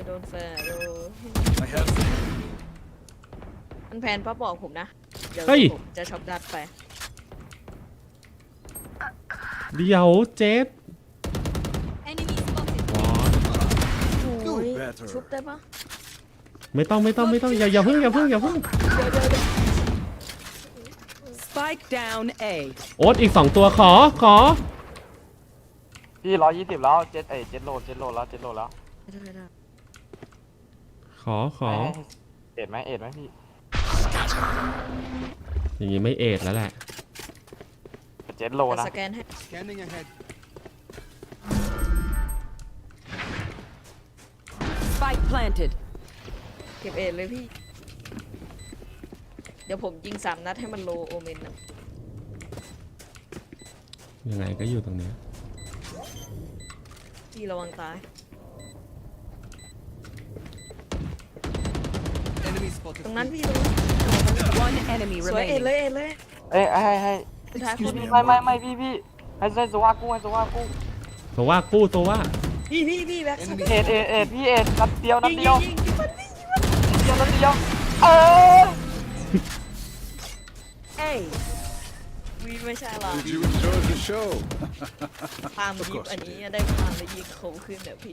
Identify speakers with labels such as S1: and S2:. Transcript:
S1: โดนแฟนโดน
S2: I have
S1: มันแพนป้าบอกผมนะเดี๋ยว
S3: เฮ้ย
S1: ผมจะช็อปดัดไป
S3: เดี๋ยวเจ็ด
S4: Enemy spotted.
S1: โอ้ย
S2: better
S1: ชุบได้ปะ
S3: ไม่ต้องอย่าเพิ่ง
S5: Spike down A.
S3: โอ๊ตอีก2ตัวขอ
S6: พี่120แล้วเจ็ดโหลแล้ว
S1: ได้
S3: ขอ
S6: เอ็ดไหมพี่
S3: อย่างงี้ไม่เอดแล้วแหละ
S6: เจ็ดโหล
S1: แต่
S6: นะ
S1: สแกนให้
S2: scanning ahead.
S5: Spike planted.
S1: เก็บเอ็ดเลยพี่ เดี๋ยวผมยิง3 นัดให้มันโลโอเมนนะ
S3: ยังไงก็อยู่ตรงเนี้ย
S1: พี่ระวังตาย
S2: Enemy spotted.
S1: ตรงนั้นพี่ตรงนั้น
S5: One enemy
S1: สวยเอ็ด
S5: remaining.
S1: เลยเอ็ดเลย
S6: ให้
S1: สุดท้ายคน
S6: ไม่พี่ให้โซวากู้
S3: ตัวว่ากู้ตัวว่า
S1: พี่แบ็คส
S2: Enemy
S6: เอ็ดพี่เอ็ดนัดเดียว
S1: ยิงยิง
S6: เออ
S1: วีไม่ใช่หรอ
S2: Did you enjoy the show?
S1: พามยิงอันนี้ได้พามแล้วยิงเขาขึ้นแบบพี่